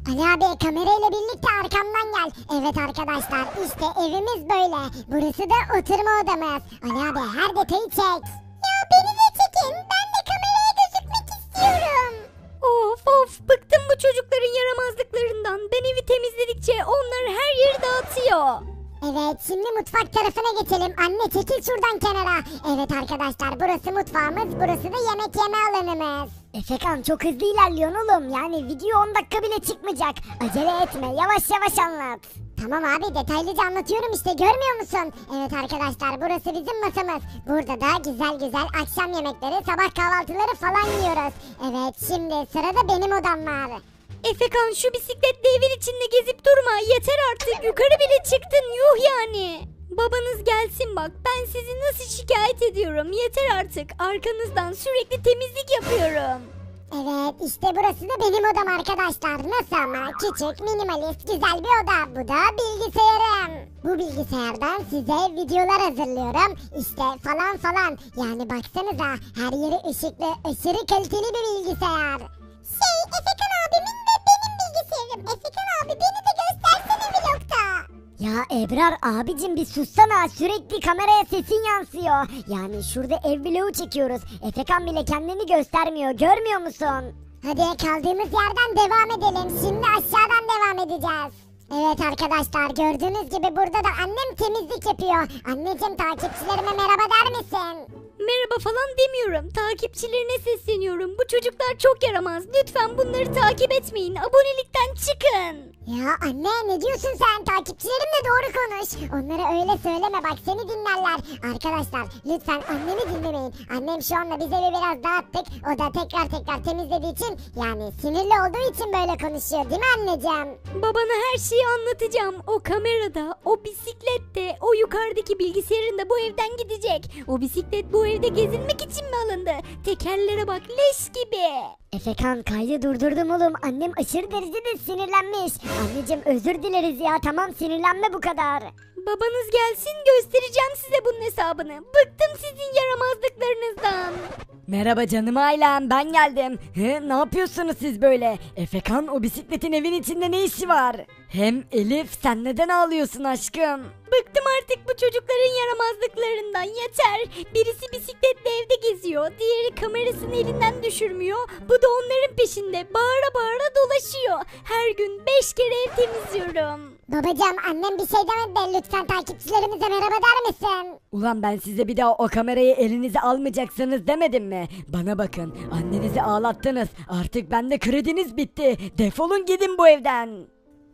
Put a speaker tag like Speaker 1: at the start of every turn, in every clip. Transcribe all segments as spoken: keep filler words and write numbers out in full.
Speaker 1: Ali abi kamerayla birlikte arkamdan gel. Evet arkadaşlar işte evimiz böyle. Burası da oturma odamız. Ali abi her detayı çek. Ya beni de çekin. Ben de kameraya gözükmek istiyorum.
Speaker 2: Of of bıktım bu çocukların yaramazlıklarından. Ben evi temizledikçe onlar her yeri dağıtıyor.
Speaker 1: Evet şimdi mutfak tarafına geçelim. Anne çekil şuradan kenara. Evet arkadaşlar burası mutfağımız. Burası da yemek yeme alanımız.
Speaker 3: Efekan çok hızlı ilerliyorsun oğlum. Yani video on dakika bile çıkmayacak. Acele etme, yavaş yavaş anlat.
Speaker 1: Tamam abi detaylıca anlatıyorum işte görmüyor musun? Evet arkadaşlar burası bizim masamız. Burada da güzel güzel akşam yemekleri, sabah kahvaltıları falan yiyoruz. Evet şimdi sırada benim odam var.
Speaker 2: Efekan şu bisikletle evin içinde gezip durma. Yeter artık yukarı bile çıktın yuh yani. Babanız gelsin bak ben sizi nasıl şikayet ediyorum. Yeter artık arkanızdan sürekli temizlik yapıyorum.
Speaker 1: Evet işte burası da benim odam arkadaşlar. Nasıl ama küçük minimalist güzel bir oda. Bu da bilgisayarım. Bu bilgisayardan size videolar hazırlıyorum. İşte falan falan. Yani baksanıza her yeri ışıklı aşırı kaliteli bir bilgisayar. Şey Efekan abimin de benim bilgisayarım. Efekan abi beni de göstersene vlogta.
Speaker 3: Ya Ebrar abicim bir sussana, sürekli kameraya sesin yansıyor. Yani şurada ev vlogu çekiyoruz. Efekan bile kendini göstermiyor, görmüyor musun?
Speaker 1: Hadi kaldığımız yerden devam edelim. Şimdi aşağıdan devam edeceğiz. Evet arkadaşlar gördüğünüz gibi burada da annem temizlik yapıyor. Anneciğim takipçilerime merhaba der misin?
Speaker 2: Merhaba falan demiyorum. Takipçilerine sesleniyorum. Bu çocuklar çok yaramaz. Lütfen bunları takip etmeyin. Abonelikten çıkın.
Speaker 1: Ya anne ne diyorsun sen? Takipçilerimle doğru konuş. Onlara öyle söyleme bak seni dinlerler. Arkadaşlar lütfen annemi dinlemeyin. Annem şu anda biz evi biraz dağıttık. O da tekrar tekrar temizlediği için yani sinirli olduğu için böyle konuşuyor değil mi anneciğim?
Speaker 2: Babana her şeyi anlatacağım. O kamerada, o bisiklette, o yukarıdaki bilgisayarın da bu evden gidecek. O bisiklet bu evde gezinmek için mi alındı? Tekerlere bak leş gibi.
Speaker 3: Efekan kaydı durdurdum oğlum. Annem aşırı derecede sinirlenmiş. Anneciğim özür dileriz ya, tamam sinirlenme bu kadar.
Speaker 2: Babanız gelsin göstereceğim size bunun hesabını. Bıktım sizin yaramazlıklarınızdan.
Speaker 4: Merhaba canım ailem ben geldim. He, ne yapıyorsunuz siz böyle? Efekan o bisikletin evin içinde ne işi var? Hem Elif sen neden ağlıyorsun aşkım?
Speaker 2: Bıktım artık bu çocukların yaramazlıklarından yeter. Birisi bisikletle evde geziyor. Diğeri kamerasını elinden düşürmüyor. Bu da onların peşinde bağıra bağıra dolaşıyor. Her gün beş kere ev temizliyorum.
Speaker 1: Babacığım annem bir şey demedi de lütfen takipçilerimize merhaba der misin?
Speaker 4: Ulan ben size bir daha o kamerayı elinize almayacaksınız demedim mi? Bana bakın annenizi ağlattınız. Artık bende krediniz bitti. Defolun gidin bu evden.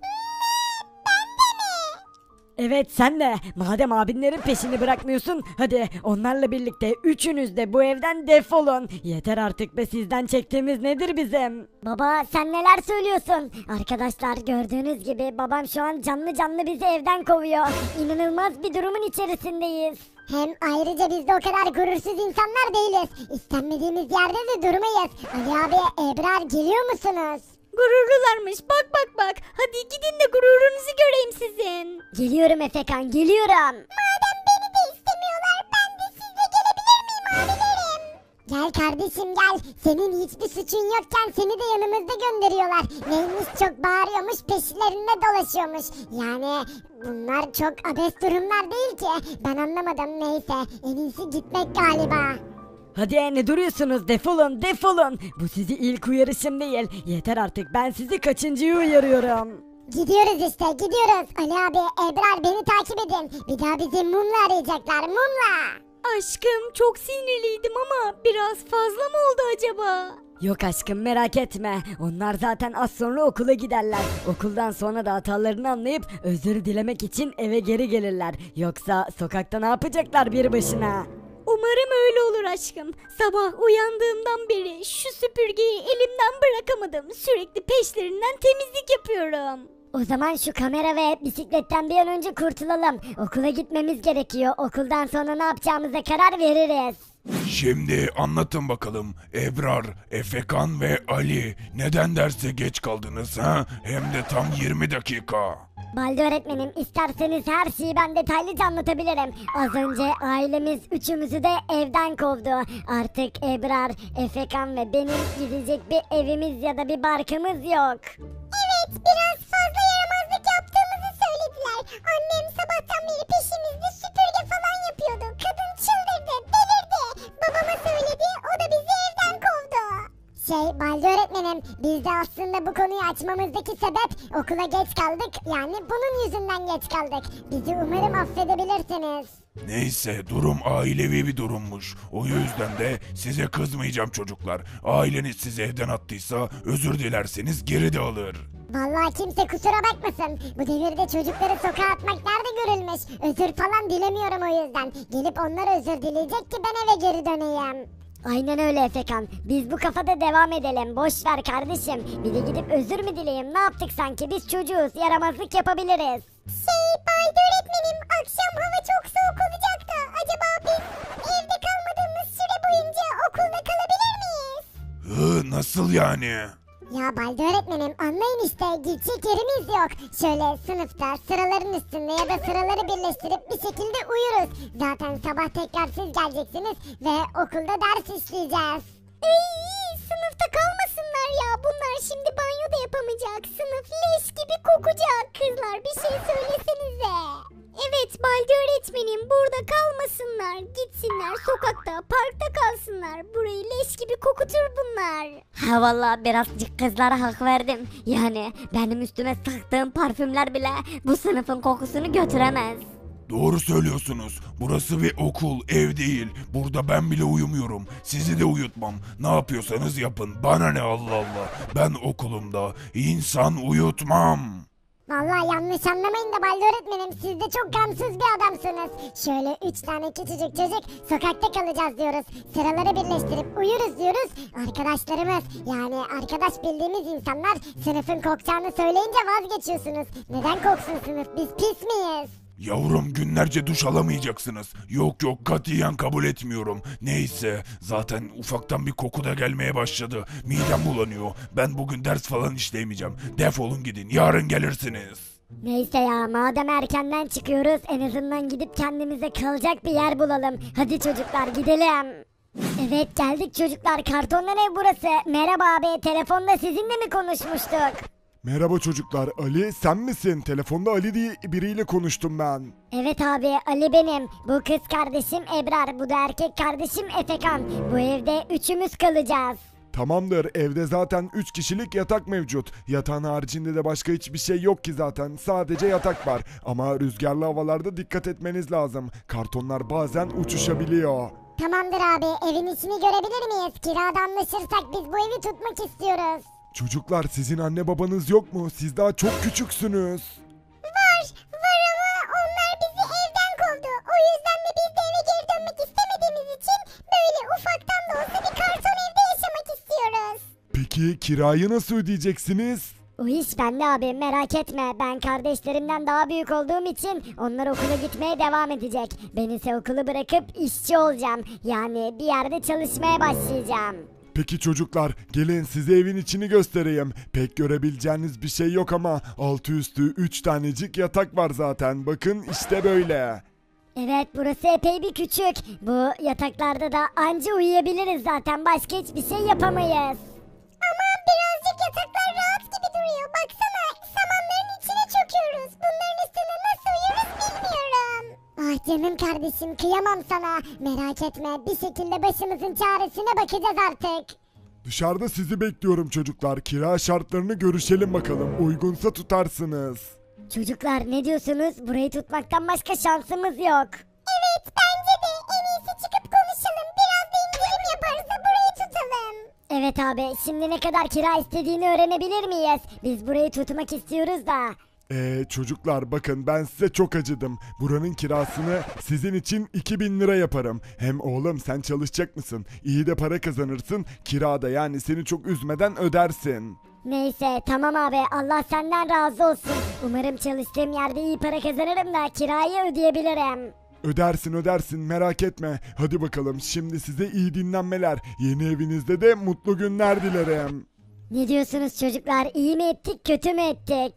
Speaker 4: Evet sen de. Madem abinlerin peşini bırakmıyorsun hadi onlarla birlikte üçünüz de bu evden defolun. Yeter artık be sizden çektiğimiz nedir bizim?
Speaker 3: Baba sen neler söylüyorsun? Arkadaşlar gördüğünüz gibi babam şu an canlı canlı bizi evden kovuyor. İnanılmaz bir durumun içerisindeyiz.
Speaker 1: Hem ayrıca biz de o kadar gurursuz insanlar değiliz. İstenmediğimiz yerde de durmayız. Ali abi Ebrar geliyor musunuz?
Speaker 2: Gururlularmış bak bak bak. Hadi gidin de gururunuzu göreyim sizin.
Speaker 3: Geliyorum Efekan, geliyorum.
Speaker 1: Madem beni de istemiyorlar ben de sizle gelebilir miyim abilerim? Gel kardeşim gel. Senin hiçbir suçun yokken seni de yanımızda gönderiyorlar. Neymiş çok bağırıyormuş peşlerinde dolaşıyormuş. Yani bunlar çok abes durumlar değil ki. Ben anlamadım neyse. En iyisi gitmek galiba.
Speaker 4: Hadi ne duruyorsunuz defolun defolun. Bu sizi ilk uyarışım değil. Yeter artık ben sizi kaçıncıyı uyarıyorum.
Speaker 1: Gidiyoruz işte gidiyoruz. Ali abi Ebrar beni takip edin. Bir daha bizi mumla arayacaklar mumla.
Speaker 2: Aşkım çok sinirliydim ama biraz fazla mı oldu acaba?
Speaker 4: Yok aşkım merak etme. Onlar zaten az sonra okula giderler. Okuldan sonra da hatalarını anlayıp özür dilemek için eve geri gelirler. Yoksa sokakta ne yapacaklar bir başına?
Speaker 2: Umarım öyle olur aşkım. Sabah uyandığımdan beri şu süpürgeyi elimden bırakamadım. Sürekli peşlerinden temizlik yapıyorum.
Speaker 3: O zaman şu kamera ve bisikletten bir an önce kurtulalım. Okula gitmemiz gerekiyor. Okuldan sonra ne yapacağımıza karar veririz.
Speaker 5: Şimdi anlatın bakalım Ebrar, Efekan ve Ali neden derse geç kaldınız ha? Hem de tam yirmi dakika.
Speaker 3: Baldi öğretmenim isterseniz her şeyi ben detaylıca anlatabilirim. Az önce ailemiz üçümüzü de evden kovdu. Artık Ebrar, Efekan ve benim gidecek bir evimiz ya da bir barkımız yok.
Speaker 1: Evet Evet, biraz fazla yaramazlık yaptığımızı söylediler. Annem sabahtan beri peşimizde süpürge falan yapıyordu. Kadın çıldırdı, delirdi. Babama söyledi, o da bizi evden kovdu. Şey, Baldi öğretmenim, biz de aslında bu konuyu açmamızdaki sebep okula geç kaldık. Yani bunun yüzünden geç kaldık. Bizi umarım affedebilirsiniz.
Speaker 5: Neyse, durum ailevi bir durummuş. O yüzden de size kızmayacağım çocuklar. Aileniz sizi evden attıysa özür dilerseniz geri de alır.
Speaker 1: Vallahi kimse kusura bakmasın. Bu devirde çocukları sokağa atmak nerede görülmüş? Özür falan dilemiyorum o yüzden. Gelip onlar özür dileyecek ki ben eve geri döneyim.
Speaker 3: Aynen öyle Efekan. Biz bu kafada devam edelim. Boş ver kardeşim. Bir de gidip özür mü dileyim? Ne yaptık sanki? Biz çocuğuz. Yaramazlık yapabiliriz.
Speaker 1: Şey, Baldi öğretmenim, akşam hava çok soğuk olacak da acaba biz evde kalmadığımız süre boyunca okulda kalabilir miyiz?
Speaker 5: Hı, nasıl yani?
Speaker 1: Ya Baldi öğretmenim, anlayın işte, gidecek yerimiz yok. Şöyle sınıfta sıraların üstünde ya da sıraları birleştirip bir şekilde uyuruz. Zaten sabah tekrar siz geleceksiniz ve okulda ders işleyeceğiz.
Speaker 2: Ey, sınıfta kalmasınlar ya. Bunlar şimdi banyo da yapamayacak. Sınıf leş gibi kokacak. Kızlar bir şey söylesenize. Evet Baldi öğretmenim, burada kalmasınlar. Gitsinler sokakta, parkta kalsınlar. Burayı leş gibi kokutur bunlar.
Speaker 3: Ha vallahi birazcık kızlara hak verdim. Yani benim üstüme sıktığım parfümler bile bu sınıfın kokusunu götüremez.
Speaker 5: Doğru söylüyorsunuz. Burası bir okul, ev değil. Burada ben bile uyumuyorum. Sizi de uyutmam. Ne yapıyorsanız yapın. Bana ne, Allah Allah. Ben okulumda insan uyutmam.
Speaker 1: Vallahi yanlış anlamayın da Baldi öğretmenim, siz de çok gamsız bir adamsınız. Şöyle üç tane küçücük çocuk sokakta kalacağız diyoruz. Sıraları birleştirip uyuruz diyoruz. Arkadaşlarımız, yani arkadaş bildiğimiz insanlar sınıfın kokacağını söyleyince vazgeçiyorsunuz. Neden koksun sınıf, biz pis miyiz?
Speaker 5: Yavrum, günlerce duş alamayacaksınız. Yok yok, katiyen kabul etmiyorum. Neyse, zaten ufaktan bir koku da gelmeye başladı. Midem bulanıyor. Ben bugün ders falan işleyemeyeceğim. Defolun gidin, yarın gelirsiniz.
Speaker 3: Neyse ya, madem erkenden çıkıyoruz en azından gidip kendimize kalacak bir yer bulalım. Hadi çocuklar gidelim. Evet geldik çocuklar, kartondan ev burası. Merhaba abi, telefonda sizinle mi konuşmuştuk?
Speaker 6: Merhaba çocuklar, Ali sen misin? Telefonda Ali diye biriyle konuştum ben.
Speaker 3: Evet abi, Ali benim. Bu kız kardeşim Ebrar, bu da erkek kardeşim Efekan. Bu evde üçümüz kalacağız.
Speaker 6: Tamamdır, evde zaten üç kişilik yatak mevcut. Yatağın haricinde de başka hiçbir şey yok ki zaten. Sadece yatak var. Ama rüzgarlı havalarda dikkat etmeniz lazım. Kartonlar bazen uçuşabiliyor.
Speaker 1: Tamamdır abi, evin içini görebilir miyiz? Kirada anlaşırsak biz bu evi tutmak istiyoruz.
Speaker 6: Çocuklar, sizin anne babanız yok mu? Siz daha çok küçüksünüz.
Speaker 1: Var, var ama onlar bizi evden kovdu. O yüzden de biz de eve geri dönmek istemediğimiz için böyle ufaktan da olsa bir karton evde yaşamak istiyoruz.
Speaker 6: Peki kirayı nasıl ödeyeceksiniz?
Speaker 3: O iş bende abi, merak etme. Ben kardeşlerimden daha büyük olduğum için onlar okula gitmeye devam edecek. Ben ise okulu bırakıp işçi olacağım. Yani bir yerde çalışmaya başlayacağım.
Speaker 6: Peki çocuklar, gelin size evin içini göstereyim. Pek görebileceğiniz bir şey yok ama altı üstü üç tanecik yatak var zaten. Bakın işte böyle.
Speaker 3: Evet, burası epey bir küçük. Bu yataklarda da anca uyuyabiliriz zaten. Başka hiçbir şey yapamayız.
Speaker 1: Ama birazcık yataklar rahat gibi duruyor. Baksana, samanların içine çöküyoruz. Bunların üstünde nasıl uyuruz bilmiyorum. Ah canım kardeşim, kıyamam sana. Merak etme, bir şekilde başımızın çaresine bakacağız artık.
Speaker 6: Dışarıda sizi bekliyorum çocuklar. Kira şartlarını görüşelim bakalım. Uygunsa tutarsınız.
Speaker 3: Çocuklar ne diyorsunuz? Burayı tutmaktan başka şansımız yok.
Speaker 1: Evet, bence de en iyisi çıkıp konuşalım. Biraz da indirim yaparsa burayı tutalım.
Speaker 3: Evet abi, şimdi ne kadar kira istediğini öğrenebilir miyiz? Biz burayı tutmak istiyoruz da.
Speaker 6: Ee çocuklar, bakın ben size çok acıdım. Buranın kirasını sizin için iki bin lira yaparım. Hem oğlum sen çalışacak mısın? İyi de para kazanırsın. Kirada yani seni çok üzmeden ödersin.
Speaker 3: Neyse tamam abi, Allah senden razı olsun. Umarım çalıştığım yerde iyi para kazanırım da kirayı ödeyebilirim.
Speaker 6: Ödersin ödersin, merak etme. Hadi bakalım, şimdi size iyi dinlenmeler. Yeni evinizde de mutlu günler dilerim.
Speaker 3: Ne diyorsunuz çocuklar, iyi mi ettik kötü mü ettik?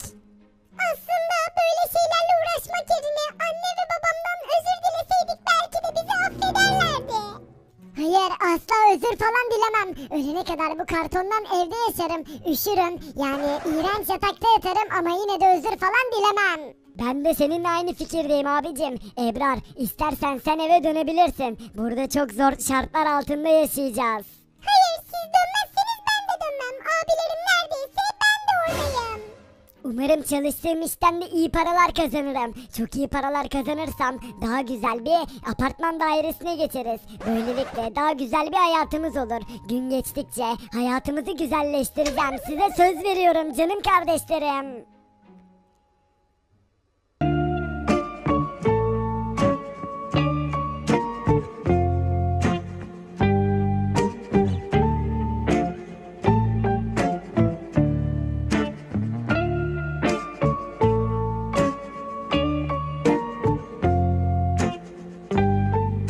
Speaker 1: Aslında böyle şeylerle uğraşmak yerine anne ve babamdan özür dileseydik belki de bizi affederlerdi. Hayır asla özür falan dilemem. Ölene kadar bu kartondan evde yaşarım. Üşürüm. Yani iğrenç yatakta yatarım ama yine de özür falan dilemem.
Speaker 3: Ben de seninle aynı fikirdeyim abicim. Ebrar, istersen sen eve dönebilirsin. Burada çok zor şartlar altında yaşayacağız.
Speaker 1: Hayır siz dönmezseniz ben de dönmem. Abilerim neredeyse ben de oradayım.
Speaker 3: Umarım çalıştığım işten de iyi paralar kazanırım. Çok iyi paralar kazanırsam daha güzel bir apartman dairesine geçeriz. Böylelikle daha güzel bir hayatımız olur. Gün geçtikçe hayatımızı güzelleştireceğim. Size söz veriyorum canım kardeşlerim.